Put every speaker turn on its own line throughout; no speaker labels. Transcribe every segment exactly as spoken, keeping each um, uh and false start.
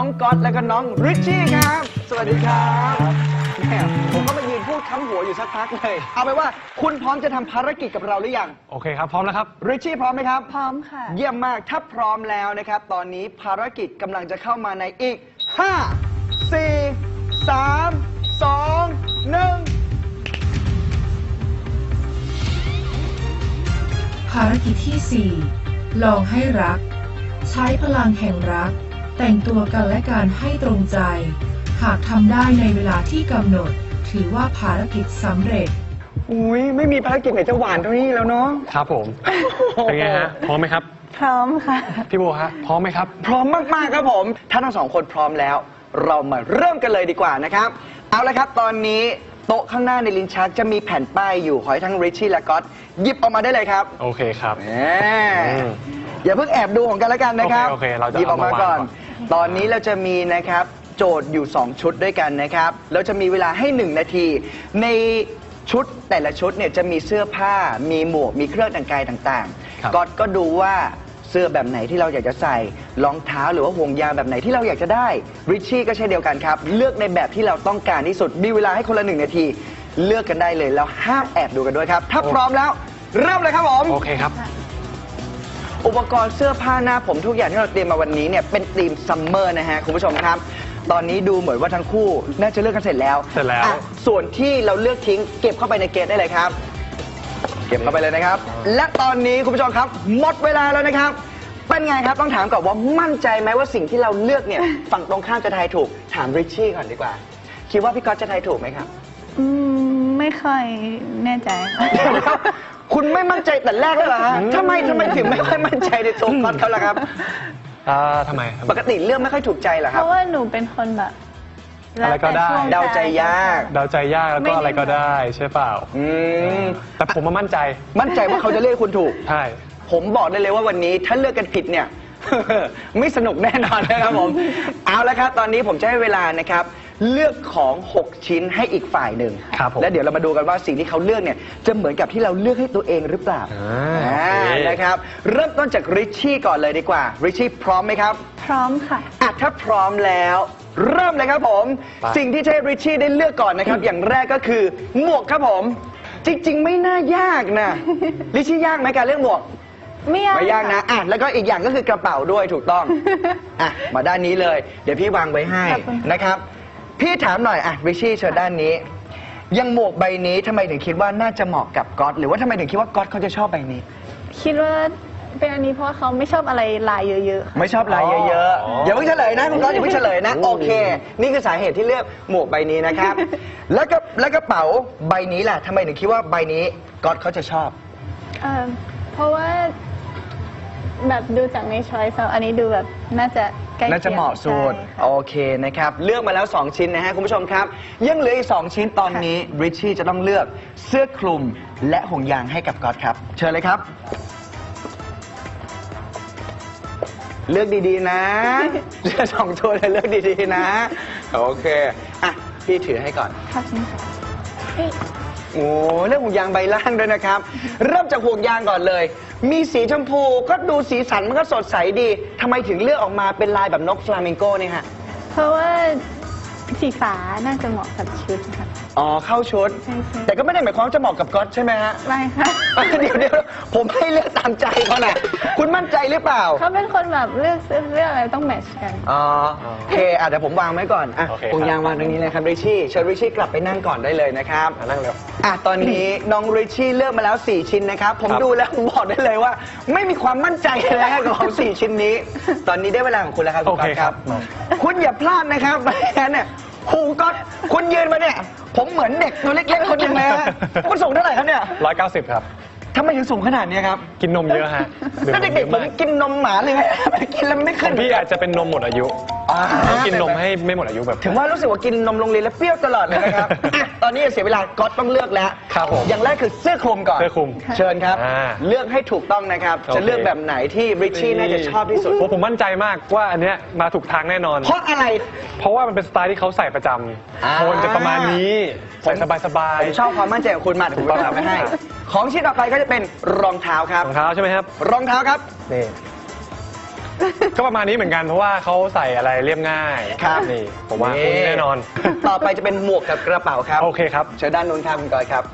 องก๊อตและก็น้องริชชี่ครับสวัสดีครับแหมผมก็มายืนพูดค้ำหัวอยู่สักพักเลยเอาไปว่าคุณพร้อมจะทำภารกิจกับเราหรือยัง
โอเคครับพร้อมแล้วครับ
ริชชี่พร้อมไหมครับ
พร้อมค่ะ
เยี่ยมมากถ้าพร้อมแล้วนะครับตอนนี้ภารกิจกำลังจะเข้ามาในอีกห้า สี่ สาม สอง หนึ่ง
ภารกิจที่ สี่ ลองให้รักใช้พลังแห่งรักแต่งตัวกันและกันให้ตรงใจหากทำได้ในเวลาที่กำหนดถือว่าภารกิจสำเร็จ
อุ้ยไม่มีภารกิจไหนจะหวานเท่านี้แล้วเนาะ
ครับผมเป็นไงฮะพร้อมไหมครับ
พร้อมค่ะ
พี่โบฮะพร้อมไหมครับ
พร้อมมากๆครับผมถ้าทั้งสองคนพร้อมแล้วเรามาเริ่มกันเลยดีกว่านะครับเอาละครับตอนนี้โต๊ะข้างหน้าในลิ้นชักจะมีแผ่นป้ายอยู่ขอให้ทั้งริชชี่และก๊อตหยิบออกมาได้เลยครับ
โอเคครับ
อย่าเพิ่งแอบดูของกันแล้วกันนะครับ
โอเคเราจะ
หยิบออกมาก่อนตอนนี้เราจะมีนะครับโจทย์อยู่สองชุดด้วยกันนะครับเราจะมีเวลาให้หนึ่งนาทีในชุดแต่ละชุดเนี่ยจะมีเสื้อผ้ามีหมวกมีเครื่องแต่งกายต่างๆก๊อตก็ดูว่าเสื้อแบบไหนที่เราอยากจะใส่รองเท้าหรือว่าห่วงยางแบบไหนที่เราอยากจะได้ริชชี่ก็เช่นเดียวกันครับเลือกในแบบที่เราต้องการที่สุดมีเวลาให้คนละหนึ่งนาทีเลือกกันได้เลยแล้วห้ามแอบดูกันด้วยครับถ้าพร้อมแล้วเริ่มเลยครับผม
โอเคครับ
อุปกรณ์เสื้อผ้าหน้าผมทุกอย่างที่เราเตรียมมาวันนี้เนี่ยเป็นธีมซัมเมอร์นะฮะคุณผู้ชมครับตอนนี้ดูเหมือนว่าทั้งคู่น่าจะเลือกกันเสร็จแล้ว
เสร็จแล้ว
ส่วนที่เราเลือกทิ้งเก็บเข้าไปในเกจได้เลยครับเก็บเข้าไปเลยนะครับและตอนนี้คุณผู้ชมครับหมดเวลาแล้วนะครับเป็นไงครับต้องถามก่อนว่ามั่นใจไหมว่าสิ่งที่เราเลือกเนี่ยฝั่งตรงข้ามจะทายถูกถามริชชี่ก่อนดีกว่าคิดว่าพี่ก๊อตจะทายถูกไหมครับ
อืมไม่ค่อยแน่ใจ
คุณไม่มั่นใจแต่แรกเลยเหรอฮะทำไมทำไมถึงไม่ค่อยมั่นใจในตัวก๊อตเขาล่ะครับ
อ่าทำไม
ปกติเรื่องไม่ค่อยถูกใจเหรอครั
บเพราะว่าหนูเป็นคนแบบ
อะไรก็ได้
เดาใจยาก
เดาใจยากแล้วก็อะไรก็ได้ใช่เปล่าอืมแต่ผมมามั่นใจ
มั่นใจว่าเขาจะเลือกคุณถูก
ใช่
ผมบอกได้เลยว่าวันนี้ถ้าเลือกกันผิดเนี่ย ไม่สนุกแน่นอนนะครับผมเอาละครับตอนนี้ผมจะให้เวลานะครับเลือกของหกชิ้นให้อีกฝ่ายหนึ่งและเดี๋ยวเรามาดูกันว่าสิ่งที่เขาเลือกเนี่ยจะเหมือนกับที่เราเลือกให้ตัวเองหรือเปล่านะครับเริ่มต้นจากริชชี่ก่อนเลยดีกว่าริชชี่พร้อมไหมครับ
พร้อมค่ะ
อ่ะถ้าพร้อมแล้วเริ่มเลยครับผมสิ่งที่จะให้ริชชี่ได้เลือกก่อนนะครับอย่างแรกก็คือหมวกครับผมจริงๆไม่น่ายากนะริชชี่ยากไหมการเลือกหมวก
ไม่ยาก
ไม่ยากนะอ่ะแล้วก็อีกอย่างก็คือกระเป๋าด้วยถูกต้องอ่ะมาด้านนี้เลยเดี๋ยวพี่วางไว้ให้นะครับพี่ถามหน่อยอ่ะริชชี่เชิญด้านนี้ยังหมวกใบนี้ทำไมถึงคิดว่าน่าจะเหมาะกับก๊อตหรือว่าทำไมถึงคิดว่าก๊อตเขาจะชอบใบนี้
คิดว่าเป็นอันนี้เพราะว่าเขาไม่ชอบอะไรลายเยอะ
ๆไม่ชอบลายเยอะๆอย่าเพิ่งเฉลยนะคุณก๊อตอย่าเพิ่งเฉลยนะโอเคนี่คือสาเหตุที่เลือกหมวกใบนี้นะครับแล้วก็แล้วกระเป๋าใบนี้แหละทำไมถึงคิดว่าใบนี้ก๊อตเขาจะชอบ
เออเพราะว่าแบบดูจากในช้อยส์อันนี้ดูแบบน่าจะใกล้เคียง
น่าจะเหมาะสุดโอเคนะครับเลือกมาแล้วสองชิ้นนะฮะคุณผู้ชมครับยังเหลืออีกสองชิ้นตอนนี้ริชชี่จะต้องเลือกเสื้อคลุมและห่วงยางให้กับก๊อตครับเชิญเลยครับเลือกดีๆนะเลือกสองตัวเลยเลือกดีๆนะโอเคอ่ะพี่ถือให้ก่อน
ครับนี่ค่ะ
โอ้เรื่องห่วงยางใบล่างด้วยนะครับเริ่มจากห่วงยางก่อนเลยมีสีชมพูก็ดูสีสันมันก็สดใสดีทำไมถึงเลือกออกมาเป็นลายแบบนกฟลามิงโก้เนี่ยฮะ
เพราะว่าสีฟ้าน่าจะเหมาะกับชุดค่ะ
อ๋อเข้าชุดแต่ก็ไม่ได้หมายความว่าจะเหมาะกับก๊อตใช่ไหมฮะ
ไม่ค่ะ
เดี๋ยวเดี๋ยวผมให้เลือกตามใจเขาแหละคุณมั่นใจหรือเปล่า
เขาเป็นคนแบบเลือกเลือกอะไรต้องแมทช์กัน
อ๋อโอเคอ่ะเดี๋ยวผมวางไว้ก่อนอ่ะห่วงยางวางตรงนี้เลยครับริชชี่เชิญริชชี่กลับไปนั่งก่อนได้เลยนะครับ
นั่งเร็ว
อ่ะตอนนี้น้องริชชี่เลือกมาแล้วสี่ชิ้นนะครับผมดูแล้วผมบอกได้เลยว่าไม่มีความมั่นใจเลยกับของสี่ชิ้นนี้ตอนนี้ได้เวลาของคุณแล้วครับคุณก๊อตครับคุณอย่าพลาดนะครับไม่งั้นเนี่ยครูก๊อตคุณยืนมาเนี่ยผมเหมือนเด็กตัวเล็กๆคนหนึ่งเลยฮะคุณสูงเท่าไหร่ครับเนี่ย
ร้อยเก้าสิบครับ
ทำไมถึงสูงขนาดนี้ครับ
กินนมเยอะฮะ
แล้วเด็กๆผมกินนมหมาเลยไงกินแล้วไม่ขึ้น
พี่อาจจะเป็นนมหมดอายุต้องกินนมให้ไม่หมดอายุแบบ
ถึงว่ารู้สึกว่ากินนมโรงเรียนแล้วเปรี้ยวตลอดเลยนะครับตอนนี้เสียเวลาก๊อตต้องเลือกแล้ว
ครับผม
อย่างแรกคือเสื้อคลุมก่อน
เสื้อคลุม
เชิญครับเลือกให้ถูกต้องนะครับจะเลือกแบบไหนที่ริชชี่น่าจะชอบที่สุด
ผมมั่นใจมากว่าอันเนี้ยมาถูกทางแน่นอน
เพราะอะไร
เพราะว่ามันเป็นสไตล์ที่เขาใส่ประจำโทนจะประมาณนี้ใส่สบาย
ๆผมชอบความมั่นใจของคุณมากผมจะทำให้ของชิ้นต่อไปก็จะเป็นรองเท้าครับ
รองเท้าใช่ไหมครับ
รองเท้าครับ
นี่ก็ประมาณนี้เหมือนกันเพราะว่าเขาใส่อะไรเรียบง่าย
ครับ
นี่ผมว่าคุณแน่นอน
ต่อไปจะเป็นหมวกกับกระเป๋าครับ
โอเคครับ
เชิญด้านนู้นครับคุณกอยครับ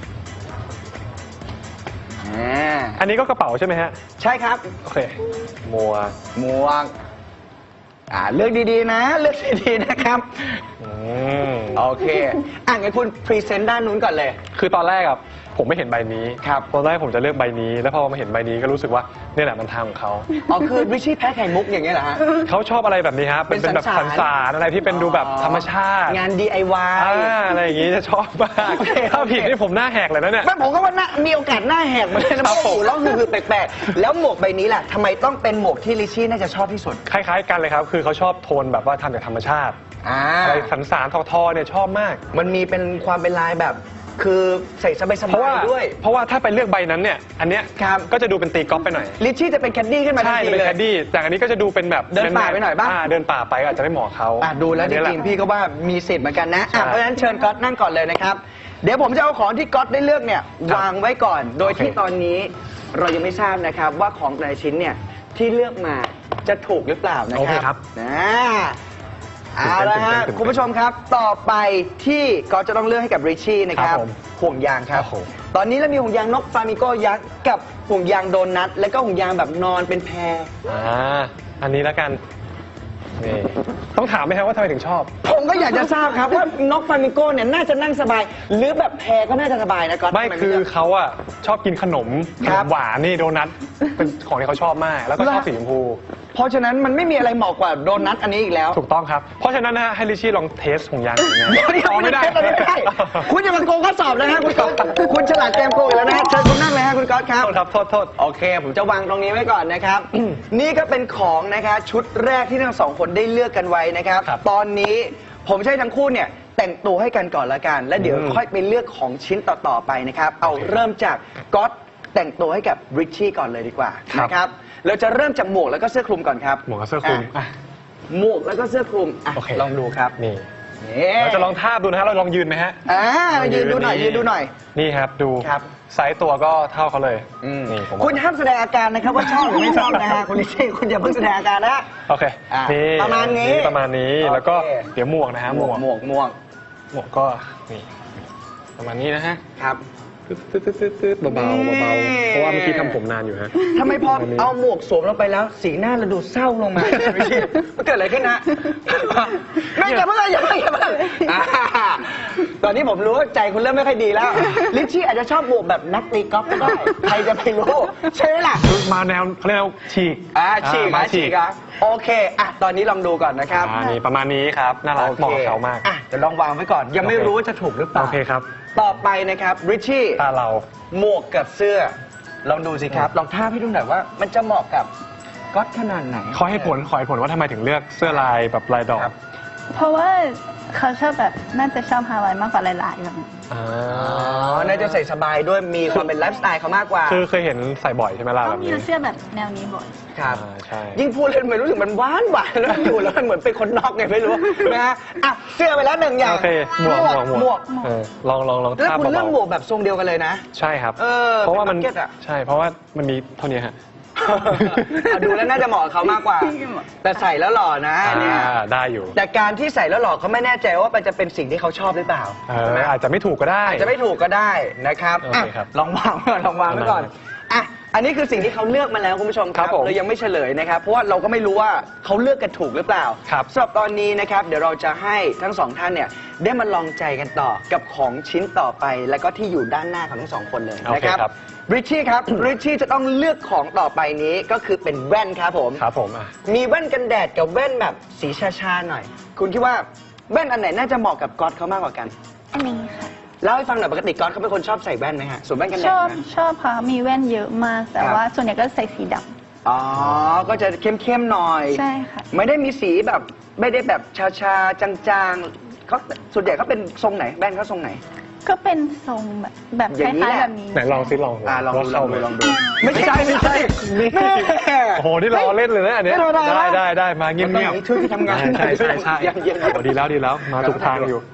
อ่า
อันนี้ก็กระเป๋าใช่ไหมฮะ
ใช่ครับ
โอเคมัว
หมวกอ่าเลือกดีๆนะ เลือกดีๆนะครับ
อืม
โอเคอ่ะงั้นคุณพรีเซนต์ด้านนู้นก่อนเลย
คือตอนแรกอะผมไม่เห็นใบนี้
ครับ
ตอนแรกผมจะเลือกใบนี้ แล้วพอมาเห็นใบนี้ก็รู้สึกว่านี่แหละมันทางของเขา
อ๋อคือริชชี่แพ้ไข่มุกอย่างเงี้ยเหรอฮะ
เขาชอบอะไรแบบนี้ฮะเป็น
เป็
เป็น นแบบ
สั
สั
น
น
สา
สาร รอะไรที่เป็นดูแบบธรรมชาติ
งาน ดี ไอ วาย
อ่าอะไรอย่างงี้จะชอบมาก
โอเค
ถ้าผิดนี่ผมหน้าแหกเลยนะเนี่ย
ไม่ผมก็ว่าน่ามีโอกาสหน้าแหกเหมือนกันนะเพราะหูร้องคือคือแปลกๆ แล้วหมวกใบนี้แหละทำไมต้องเป็นหมวกที่ริชชี่น่าจะชอบที่สุด
คล้ายๆกันเลยครับ คือเขาชอบโทนแบบว่าทำจากธรรมชาติ
อ่า
อะไรสันสารทอๆเนี่ยชอบมาก
มันมีเป็นความเป็นลายแบบ คือใส่สบาย
เพราะว่า
ๆด้วย
เพราะว่าถ้าไปเลือกใบนั้นเนี่ย อันเนี้ย
ครับ
ก็จะดูเป็นตีกอล์ฟไปหน่อย
ริชชี่จะเป็นแคดดี้ขึ้นมาทัน
ใช่
ที
เป็น
เลย
แคดดี้แต่อันนี้ก็จะดูเป็นแบบ
เดินป่าไปหน่อยป่ะ
เดินป่าไปก็อาจจะไม่เหมาะเขา
อ่ะดูแล้วจ
อันนี้หะ
ริงๆพี่ก็ว่ามีสิทธิ์เหมือนกันนะอ่ะ
ใช่
เพราะฉะนั้นเชิญก๊อตนั่งก่อนเลยนะครับ เดี๋ยวผมจะเอาของที่ก๊อตได้เลือกเนี่ย
ครับ
วางไว้ก่อน โดย
โอเค
ที่ตอนนี้เรายังไม่ทราบนะครับว่าของแต่ละชิ้นเนี่ยที่เลือกมาจะถูกหรือเปล่านะ
โอเค
ค
ครั
รับบ นะเอาละฮะ
ตื่นเต้นตื่นเต้น
คุณผู้ชมครับต่อไปที่ก๊อตจะต้องเลือกให้กับริชชี่นะครับ
ครับผม
ห่วงยางครับ
โอ้โห
ตอนนี้เรามีห่วงยางนกฟลามิงโกยักษ์กับห่วงยางโดนัทและก็ห่วงยางแบบนอนเป็นแพร
อ่าอันนี้แล้วกันนี่ต้องถามไหมครับว่าทำไมถึงชอบ
ผมก็อยากจะทราบครับว่านกฟลามิงโกเนี่ยน่าจะนั่งสบาย หรือแบบแพรก็น่าจะสบายนะก๊อต
ไม่
ทำ
คือ
เลืก
เขาอะชอบกินขนมข
คน รับ
มหวานนี่โดนัทเป็นของที่เขาชอบมาก แล้วก็ชอบ
เหรอ
สีชมพู
เพราะฉะนั้นมันไม่มีอะไรเหมาะกว่าโดนัทอันนี้อีกแล้ว
ถูกต้องครับ เพราะฉะนั้นนะฮะให้ลิชชี่ลองเทสของยางหน่อยนะ
เดี๋ยวเดี๋ยว
อ๋อ
ไม่
ไม่
ได้
ได้
ไม่ได้ คุณจะมาโกงข้อสอบนะฮะคุณก๊อตคุณฉลาดเกมโกงอีกแล้วนะฮะเชิญคุณนั่งเลยฮะคุณก๊อตครับ
โทษครับโทษโทษ
โอเค ผมจะวางตรงนี้ไว้ก่อนนะครับ นี่ก็เป็นของนะคะชุดแรกที่ทั้งสองคนได้เลือกกันไว้นะครับ
ครับ
ตอนนี้ผมจะให้ทั้งคู่เนี่ยแต่งตัวให้กันก่อนละกัน แล้วเดี๋ยว
อืม
ค่อยไปเลือกของชิ้นต่อๆไปนะครับ เอาเริ่มจากก๊อตแต่งตัวให้กับริชชี่ก่อนเลยดีกว่า
ครับ
นะครับ เราจะเริ่มจากหมวกแล้วก็เสื้อคลุมก่อนครับ
หมวกกับเสื้อคลุม
อ่ะ
อ่ะ
หมวกแล้วก็เสื้อคลุมอ่ะ
โอเค
ลองดูครับ
นี่
นี่
เราจะลองทาบดูนะฮะเราลองยืนไหมฮะ
อ่ายืนดูหน่อยยืนดูหน่อย
นี่ครับดู
ครับ
ไซส์ตัวก็เท่าเขาเลย
อืม
นี่ผม
คุณห้ามแสดงอาการนะครับว่าชอบหรือไม่ชอบนะฮะคุณลิชชี่คุณอย่าเพิ่งแสดงอาการนะ
โอเค
อ่ะ
นี่
ประมาณนี้
ประมาณนี้
โอเค
แล้วก็เดี๋ยวหมวกนะฮะ
ห
ห
ม
ม
ว
ว
ก
ก
หมวกหมวก
หมวกก็นี่ประมาณนี้นะฮะ
ครับ
ตึ๊ดตึ๊ดตึ๊ดตึ๊ดตึ๊ดเบาๆเบาๆเพราะว่าเมื่อกี้ทำผมนานอยู่ฮะ
ทำไมพอ
ประมาณนี้
เอาหมวกสวมลงไปแล้ว สีหน้าเราดูเศร้าลงมา ลิชชี่มันเกิดอะไรขึ้นนะไม่อย่าเพิ่งอย่าเพิ่งอย่าเพิ่งอ่าตอนนี้ผมรู้ว่าใจคุณเริ่มไม่ค่อยดีแล้วลิชชี่อาจจะชอบหมวกแบบนักตีกอล์ฟก็ได้ใครจะไปรู้ใช่ไหมล่ะ
มาแนวเขาเรียกว่าฉีก
อ่าฉีก
มา
อ่ะฉีกอ่ะโอเคอ่ะตอนนี้ลองดูก่อนนะครับ
อ่านี่ประมาณนี้ครับน่ารัก
โอค
เหมาะกับเขามาก
อ่ะจะลองวางไว้ก่อน ยังไม่
โอเค
รู้ว่าจะถูกหรือเปล่า
โอเคครับ
ต่อไปนะครับริชชี่
ตาเรา
หมวกกับเสื้อ ลองดูสิครับ ลองท่าบให้ดูหน่อยว่า มันจะเหมาะกับก๊อตขนาดไหน
ขอให้ผลขอให้ผลว่าทำไมถึงเลือกเสื้อลายแบบลายดอก
ครับ
เพราะว่าเขาชอบแบบน่าจะชอบฮาวายมากกว่าหลายๆแบบนี้
อ่า
อ๋อ น่าจะใส่สบายด้วย มีความเป็นไลฟ์สไตล์เขามากกว่า
คือเคยเห็นใส่บ่อยใช่ไหมล่ะ
ต้
แบ
อง
บ
มี
นี้
เสื้อแบบแนวนี้บ่อย
ครับ
อ่าใช่
ยิ่งพูดเล่นมันรู้สึกมันหวานหวานแล้วอยู่แล้วมันเหมือนเป็นคนนอกไงไม่รู้นะฮะอ่ะเสื้อไปแล้วหนึ่งอย่าง
โอเคหมวกหมวก
หมวก
เออลองลองลอง
แล้ว
ทาบ
คุณเลือก
เบา
หมวกแบบทรงเดียวกันเลยนะ
ๆใช่ครับ
เออ
เพราะว่ามัน
เป็นบัคเก็ตอะ
ใช่เพราะว่ามันมีเท่านี้ฮะ
เอาดูแล้วน่าจะเหมาะกับเขามากกว่า แต่ใส่แล้วหล่อนะเนี่ย
อ่าได้อยู่
แต่การที่ใส่แล้วหล่อเขาไม่แน่ใจว่ามันจะเป็นสิ่งที่เขาชอบหรือเปล่า
เอ
ใช่ไหม
ออาจจะไม่ถูกก็ได้
อาจจะไม่ถูกก็ได้นะครับ
โอเคครับ
อ่ะลองวางไว้ก่อนลองวางไว้ก่อน
ได้
อ่ะอันนี้คือสิ่งที่เขาเลือกมาแล้วคุณผู้ชมค
ครั
รับบ
ผม
เรายังไม่เฉลยนะครับ เพราะว่าเราก็ไม่รู้ว่าเขาเลือกกันถูกหรือเปล่า
ครับ
สำหรับตอนนี้นะครับ เดี๋ยวเราจะให้ทั้งสองท่านเนี่ยได้มาลองใจกันต่อกับของชิ้นต่อไป แล้วก็ที่อยู่ด้านหน้าของทั้งสองคนเลย
โอ
นะ
เค
ครับ
ครับ
ริชชี่ครับ ริชชี่จะต้องเลือกของต่อไปนี้ก็คือเป็นแว่นครับผม
ครับผมอ่ะ
มีแว่นกันแดดกับแว่นแบบสีชาๆหน่อย คุณคิดว่าแว่นอันไหนน่าจะเหมาะกับก๊อตเขามากกว่ากัน
อันนี้ค่ะ
เล่าให้ฟังหน่อยปกติก๊อตเขาเป็นคนชอบใส่แว่นไหมฮะสวมแว่นกันแด
ช
ด
อบ
ไหม
ชอบค่ะมีแว่นเยอะมาก แต่
ครับ
ว่าส่วนใหญ่ก็ใส่สีด
อ๋อ ก็จะเข้มๆหน่อย
ำใช่ค่ะ
ไม่ได้มีสีแบบไม่ได้แบบชาๆจางๆเขาส่วนใหญ่เขาเป็นทรงไหนแว่นเขาทรงไหน
ก็เป็นทรงแบบแบบค
อย่างนี้
ล้าย
แหละ
ๆแบบนี้
ไหนลองซิลอง
อ่าลองดูลองดูลองดู
ไม่ใช่ไม่ใช่นี่
แม่
โอ้โหนี่รอเล่นเลยนะอันเนี้ย
ไม่ธรรมดา
ได้ได้ได้มาเงียบ
มันต้อง
เงียบ
อย่างนี้ช่วยที่ทำงาน
ใช่ใช่ใช่
เย็นๆ
โอ้ดีแล้วดีแล้วมาถูกทางอยู่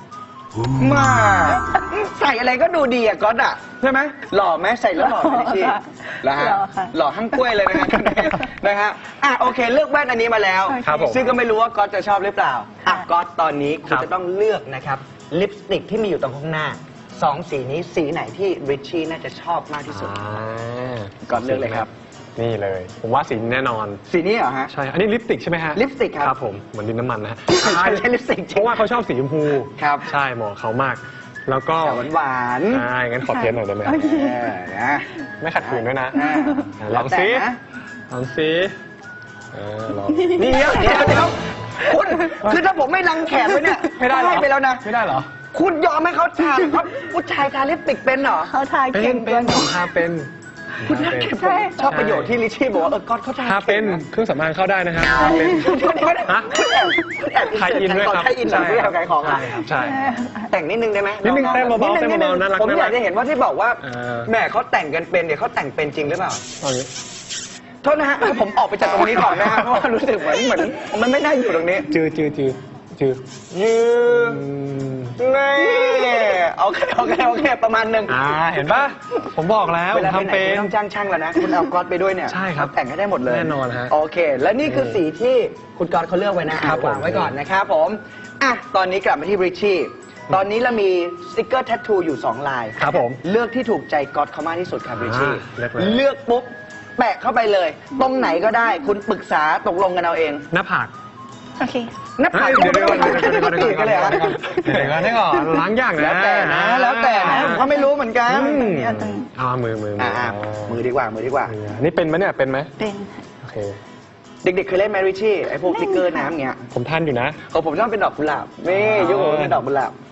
มาใส่อะไรก็ดูดีอะก๊อตอะใช่ไหมหล่อไหมใส่แล้วหล่อไหมดิชี่แล้วฮะ
หล่อค่ะ
หล่อทั้งกล้วยเลยนะฮะ นะฮะอ่ะโอเคเลือกแว่นอันนี้มาแล้ว
ครับผม
ซึ่งก็ไม่รู้ว่าก๊อตจะชอบหรือเปล่าอ่ะก๊อตตอนนี้คุ
ค
ณ
รับ
จะต้องเลือกนะครับลิปสติกที่มีอยู่ตรงข้างหน้าสองสีนี้สีไหนที่ริชชี่น่าจะชอบมากที่สุด
อ่า
ก่อนเลือกเลยครับ
นี่เลย ผมว่าสีนี้แน่นอน
สีนี้เหรอฮะ
ใช่ อันนี้ลิปสติกใช่ไหมฮะ
ลิปสติกครับ
ครับผม เหมือนดินน้ำมันนะฮะ
ใช่ใช่ลิปสติกจริง
เพราะว่าเขาชอบสีชมพู
ครับ
ใช่เหมาะเขามาก แล้วก็
หวานหวานๆ
ใช่งั้นขอเทสหน่อยได้ไหม
โอเค
เออนะ
ไม่ขัดขืนด้วยนะ
อ่า
อ่ะลองสิ
แล้วแต่นะ
ลองสิเออลอง
นี่เดี๋ยวเดี๋ยวเดี๋ยวคุณคือถ้าผมไม่ลังแขนไว้เนี่ย
ไม่ได้เหรอ
ให้ไปแล้วนะ
ไม่ได้เหรอ
คุณยอมให้เขาทาเขาผู้ชายทาลิปสติกเป็นเหรอ
เขาทา
เป็
เก่
น
ง
เป็นผมทาเป็น
คุณ
ทา
น่า
เป็น
เก็บผมชอบประโยชน์ที่ลิชชี่บอกว่าเออก๊อตเขาทา
ทาเป็น
ก่งะ
เครื่องสำอางเข้าได้นะครับทาเป็น ฮะ
คุณแอบคุณแอบ
ขายอินด้วยครับ
ขายอินหน่อยเพื่อขายของ
ใช่
อ่ะ
ครับใช่
แต่งนิดนึงได้ไหม
นิดนึงเต้นเบาๆ
ดง
เต้นเบาๆน่ารัก
ผมอยาก
น่ารัก
จะเห็นว่าที่บอกว่า
เออ
แหมเขาแต่งกันเป็นเนี่ยเขาแต่งเป็นจริงหรือเปล่า
เอาอย่างนี้
โทษนะฮะให้ผมออกไปจากตรงนี้ก่อนนะฮะเพราะว่ารู้สึกเหมือนเหมือนมันไม่น่าอยู่ตรงนี้
จือจือจือจือ
ยืม
อืม
นี่โอเคโอเคโอเคประมาณหนึ่ง
อ่าเห็นปะผมบอกแล้ว
เวลา
ผม
ไปไหน
ทำเป็
คุณ
น
ต้องจ้างช่างแล้วนะ คุณเอาก๊อตไปด้วยเนี่ย
ใช่ครับ
เขาแต่งให้ได้หมดเลย
แน่นอนฮะ
โอเค และนี่คือสีที่คุณก๊อตเขาเลือกไว้นะครับ
ผม
วางไว้ก่อนนะครับผมอ่ะตอนนี้กลับมาที่ริชชี่ตอนนี้เรามีสติกเกอร์แทททูอยู่สองลาย
ครับผม
เลือกที่ถูกใจก๊อตเขามากที่สุดครับริชชี่
อ่าเลือกเลย
เลือกปุ๊บแปะเข้าไปเลย ตรงไหนก็ได้ คุณปรึกษาตกลงกันเอาเอง
หน้าผาก
โอเค
หน้าผาก
เดี๋ยวเดี๋ยวก่อนเดี๋ยว
เดี๋ยว
ก่อน
เดี๋ยว
เดี๋ยวก่อน
กันเลยเหรอ
เดี๋ยวก่อนเดี๋ยวก่อนล้างยากนะ
แล้วแต่นะ แล้วแต่นะผมก็ไม่รู้เหมือนกัน
อืม
เอาตรงนี้
เอามือมือมื
อ่า
อ
มือดีกว่ามือดีกว่า
อันนี่เป็นไหมเนี่ยเป็นไหม
เป็นค่ะ
โอเค
เด็กๆเคยเล่นแมริชี่ไอ้พวกสติ๊กเกอร์น้ำเงี้ย
ผมทันอยู่นะ
ของผมชอบเป็นดอกกุหลาบนี่
อ๋อ
ยุคผมเป็นดอกกุหลาบ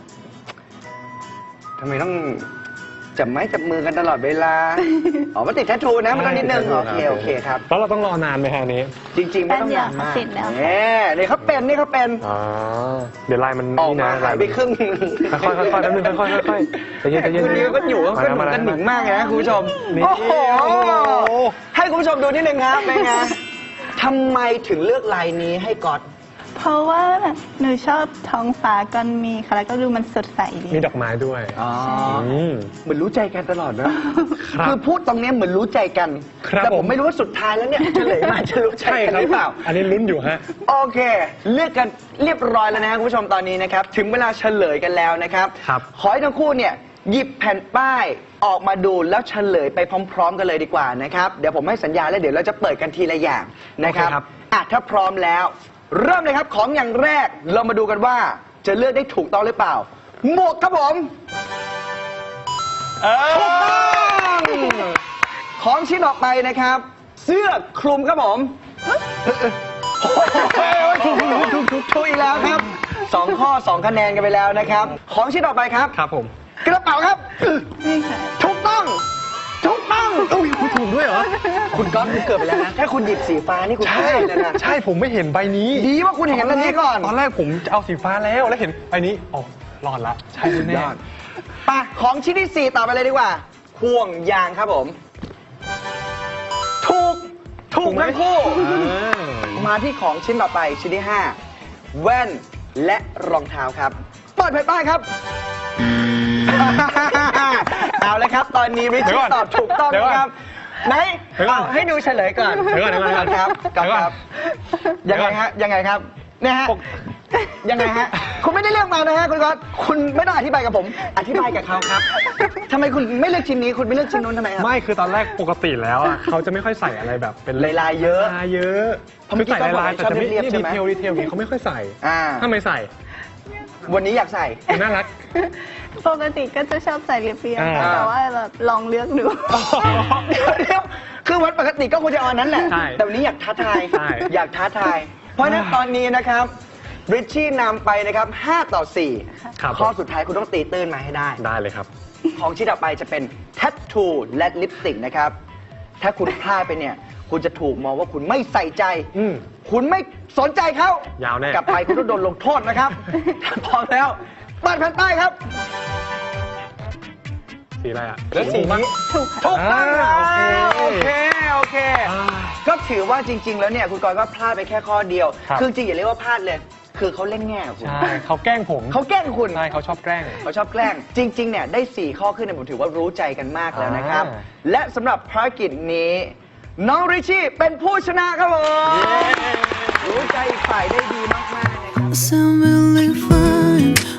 ทำไมต้องจับไม้จับมือกันตลอดเวลา อ๋อมันติดแทททูนะมันต้องนิดนึงโอเคโอเคครับ
แล้วเราต้องรอนานไหมฮะอันนี้
จริง ๆ ไม่ต้องนานมากเนี่ยนี่เขาเป็นนี่เขาเป็น
อ๋อเดี๋ยวลายมัน
ออกมา
นี่นะ
หายไปครึ่ง
ค่อยๆค่อยๆแป๊บนึงค่อยๆค่อยๆใจเย็นใจเย็น
คุณนี้ก็อยู่ก็ขึ้นเหมือนกันหนิงมากเลยนะคุณผู้ชม
นี่
โอ้โหให้คุณผู้ชมดูนิดนึงครับเป็นไงทำไมถึงเลือกลายนี้ให้ก๊อต
เพราะว่าแบบหนูชอบท้องฟ้ากันมีค่ะแล้วก็ดูมันสดใสดี
มีดอกไม้ด้วย
อ๋อ
อืม
เหมือนรู้ใจกันตลอดนะครับ คือพูดตรงเนี้ยเหมือนรู้ใจกัน
ครับ
แต่ผ
ผม ม
ไม่รู้ว่าสุดท้ายแล้วเนี่ยเฉลยมาจะรู้ใจ
ใช่
กัน
ครั
หรือเปล่า
อันนี้ลุ้นอยู่ฮะ
โอเค เลือกกันเรียบร้อยแล้วนะครับคุณผู้ชมตอนนี้นะครับ ถึงเวลาเฉลยกันแล้วนะครับ
ครับ
ขอให้ทั้งคู่เนี่ยหยิบแผ่นป้ายออกมาดูแล้วเฉลยไปพร้อม ๆ กันเลยดีกว่านะครับ เดี๋ยวผมให้สัญญาแล้วเดี๋ยวเราจะเปิดกันทีละอย่างนะครับ
โอเคครับ
อ่ะถ้าพร้อมแล้ว เริ่มเลยครับของอย่างแรกเรามาดูกันว่าจะเลือกได้ถูกต้องหรือเปล่า หมวกครับผม
เอ
ถูกต้องของชิ้นออกไปนะครับ เสื้อคลุมครับผมถูกถูกถูกถูกถูกอีกแล้วครับสองข้อสองคะแนนกันไปแล้วนะครับ ของชิ้นต่อไปครับ
ครับผม
กระเป๋าครับ
นี่ค่ะ
ถูกต้องถูกต้อง
อุ้ยคุณถูกด้วยเหรอ
คุณก๊อตคุณเกิดไปแล้วนะถ้าคุณหยิบสีฟ้านี่คุณ
ใช่
พลาดเลยนะ
ใช่ผมไม่เห็นใบนี้
ดีว่าคุณเห็นอันนี้ก่อน
ตอนแรกผมจะเอาสีฟ้าแล้วแล้วเห็นใบนี้อ๋อรอดละใช่แน่
ยอดไปของชิ้นที่สี่ต่อไปเลยดีกว่าห่วงยางครับผม ถูกถูกทั้งคู่
อ่า
มาที่ของชิ้นต่อไปชิ้นที่ห้าแว่นและรองเท้าครับเปิดแผ่นป้ายครับ เอาเลยครับ ตอนนี้ริช
เดี๋ยวก่อน
ตอบถูกต้อง
เดี๋ยวก่อน
นะครับไหน
เดี๋ยวก่อน
เอาให้ดูเฉลยก่อน
เดี๋ยวก่อนเดี๋ยวก่อน
ครับ
เดี๋ยวก่อน
ครับยังไงฮะยังไงครับเนี่ยฮะ
ปก
ยังไงฮะคุณไม่ได้เลือกมานะฮะคุณก๊อตคุณไม่ต้องอธิบายกับผม อธิบายกับเขาครับทำไมคุณไม่เลือกชิ้นนี้คุณไม่เลือกชิ้นนู้นทำไมครับ
ไม่คือตอนแรกปกติแล้วอ่ะเขาจะไม่ค่อยใส่อะไรแบบเป็น
ลายๆเยอะ
ลายเยอะ
เพราะเมื่
คือ อ
กี้
ใส่ลาย
ก็
ๆ
บอกว่า
แต่จะไม่
ชอบเรียบๆ
นี่
ใช่
ดี
ไหม
เทลดีเทลนี้เขาไม่ค่อยใส่
อ่า
ถ้าไม่ใส่
วันนี้อยากใส่
น่ารัก
ปกติก็จะชอบใส่เรียบๆ
อ่า
ค่ะแต่ว่าแบบลองเลือกดู
เดี๋ยวเดี๋ยวคือวันปกติก็ควรจะเอาอันนั้นแหละ
ใช่
แต่วันนี้อยากท้าทาย
ใช่
อยากท้าทาย เพราะฉะนั้นตอนนี้นะครับริชชี่นำไปนะครับห้าต่อสี่
ครับ
ข้อสุดท้ายคุณต้องตีตื้นมาให้ได้
ได้เลยครับ
ของชิ้นต่อไปจะเป็นแทททูและลิปสติกนะครับ ถ้าคุณพลาดไปเนี่ย คุณจะถูกมองว่าคุณไม่ใส่ใจ
อืม
คุณไม่สนใจเขา
ยาวแน่
กลับไปคุณต้องโดนลงโทษนะครับ ถ้าพร้อมแล้วเปิดแผ่นป้ายครับ
สีอะไรอ่ะ
แล้วสีนี้
ถูกค่ะ
ถูกต้องครั
อ่า
บ
โอ
โอ
เค
เคโอเค
อ่า
ก็ถือว่าจริง ๆ แล้วเนี่ยคุณกรณ์ก็พลาดไปแค่ข้อเดียว
ครับ
คือจริงอย่าเรียกว่าพลาดเลยคือเขาเล่นแง่กับคุณ
ใช่เขาแกล้งผม
เขาแกล้งคุณ
ใช่เขาชอบแกล้ง
เขาชอบแกล้ง จริง ๆ เนี่ย ได้ สี่ ข้อขึ้นเนี่ยผมถือว่ารู้ใจกันมากแล้วนะครับ
อ่า
และสำหรับภารกิจนี้ น้องริชชี่เป็นผู้ชนะครับผม รู้ใจอีกฝ่ายได้ดีมาก ๆ นะครับ
sound really fine.